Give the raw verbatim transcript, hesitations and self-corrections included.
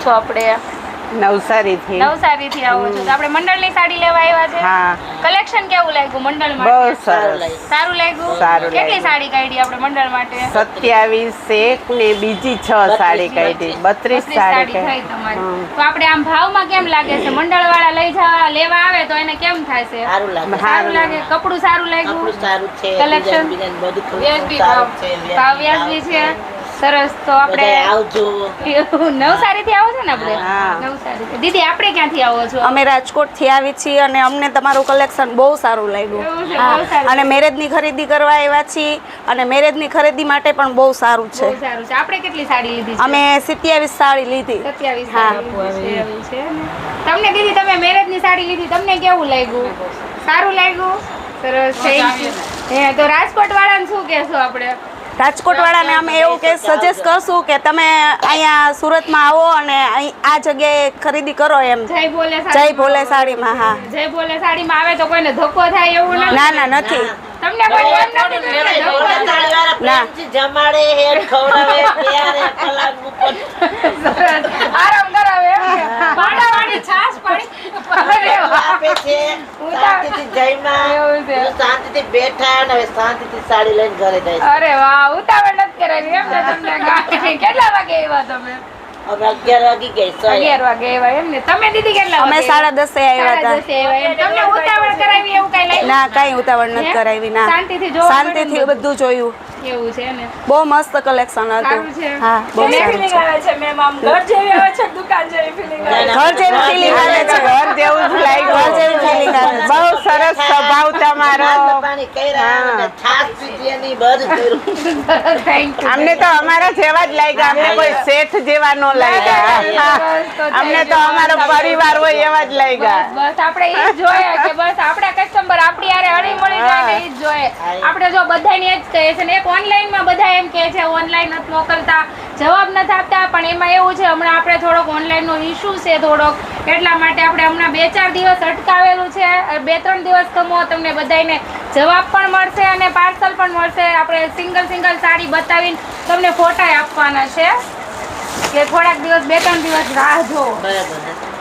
છો આપણે? નવસારી થી નવસારી થી આવો છો તો આપણે મંડળની સાડી લેવા આવ્યા છે. હા. કલેક્શન કેવું લાગ્યું મંડળ માટે? બહુ સરસ. સારું લાગ્યું. સારું કેટલી લાગ્યું. સાડી કાઢી આપણે મંડળ માટે? સત્યાવીસ એક ને બીજી છ સાડી કાઢી, બત્રીસ સાડી થઈ કાઢી. તમારી. હમ. તો આપણે આમ ભાવમાં કેમ લાગે છે? મંડળ વાળા લઈ જવા લેવા આવે તો એને કેમ થાય છે? સારું લાગે. સારું લાગે. કપડું સારું લાગ્યું. આપણું સારું છે. Collection? ડિઝાઇન બિઝાઇન બધું વ્યાજબી સારું ભાવ. છે. ભાવ વ્યાજબી છે. સરસ. તો આપણે બધાય આવજો. નવસારી થી આવો છો ને આપણે? હા. નવસારી થી. દીદી આપણે ક્યાંથી આવો છો? અમે રાજકોટથી આવી છીએ અને અમને તમારું કલેક્શન બહુ સારું લાગ્યું. એવું છે, હા. બહુ સારું. અને મેરેજની ખરીદી કરવા આવ્યા છીએ અને મેરેજની ખરીદી માટે પણ બહુ સારું છે. બહુ સારું છે. આપણે કેટલી સાડી લીધી છે? અમે સત્યાવીસ સાડી લીધી. સત્યાવીસ હા. સાડી લીધી છે. એવું છે ને. તમને દીદી તમે મેરેજની સાડી લીધી, તમને કેવું લાગ્યું? સારું લાગ્યું? સરસ. Thank you. હે તો રાજકોટ વાળાને શું કહેશો આપણે? રાજકોટ વાળાને અમે એવું કે સજેસ્ટ કરશું કે તમે અહીંયા સુરતમાં આવો અને અહીં આ જગ્યાએ ખરીદી કરો એમ. જય ભોલે જય ભોલે સાડીમાં. હા. જય ભોલે સાડીમાં આવે તો કોઈને ધક્કો થાય એવું નથી? ના ના નથી. તમને કોઈ એમ નથી કે ધક્કો થાય? ના. જમાડે હેડ ખવડાવે પ્યારે પલાંગ ઉપર સરસ. આરામ કરાવે એમ કે? પાડાવાળી છાશ પાડી અરે વાહ. આપે છે. શાંતિથી જઈમાં એવું છે. શાંતિથી બેઠા અને હવે શાંતિથી સાડી લઈને ઘરે જાય છે. અરે વાહ, ઉતાવળ નથી કરાવી એમ ને તમને ગાડી. કેટલા વાગે આવ્યા તમે? હવે અગિયાર વાગી ગઈ સો અગિયાર વાગે આવ્યા એમ ને? તમે દીદી કેટલા અમે વાગે સાડા દસે આવ્યા સાડા હતા. દસે આવ્યા એમ. તમને ઉતાવળ કરાવી એવું કઈ લાગ્યું? ના કઈ ઉતાવળ નથી હે? કરાવી. ના શાંતિથી જોવા શાંતિથી મળે ને બધું જોયું. એવું છે ને? બહુ મસ્ત કલેક્શન સારું હતું. છે. હા બહુ સારું છે. આવે છે મેમ? આમ ઘર જેવી આવે છે દુકાન જેવી ફીલિંગ આવે છે? ઘર જેવી feeling આવે છે. ઘર જેવું જ લાગ્યું. ઘર જેવી feeling આવે છે. બહુ સરસ સ્વભાવ તમારો. નાસ્તા પાણી કર્યા અને છાશ પીધી એની બધું કર્યું. Thank you. અમને તો અમારા જેવા જ લાગ્યા, અમને કોઈ શેઠ જેવા ન લાગ્યા. અમને તો અમારો પરિવાર હોય એવા જ લાગ્યા. બસ આપણે ઈ જ જોઈએ કે બસ આપણા કસ્ટમર આપણી હારે હળી મળી જાય ને ઈ જ જોઈએ. આપણે જો બધાને એ જ કહે છે ને, એક ઓનલાઈન માં બધા એમ કહે છે ઓનલાઈન નથી મોકલતા, જવાબ નથી આપતા, પણ એમાં એવું છે હમણાં આપણે થોડોક ઓનલાઈન નો ઇશ્યુ છે થોડોક, એટલા માટે આપણે હમણાં બે ચાર દિવસ અટકાવેલું છે. બે ત્રણ દિવસ કમો તમને બધાને જવાબ પણ મળશે અને પાર્સલ પણ મળશે. આપણે સિંગલ સિંગલ સાડી બતાવીને તમને ફોટા આપવાના છે કે થોડાક દિવસ બે ત્રણ દિવસ રાહ જો. બરાબર.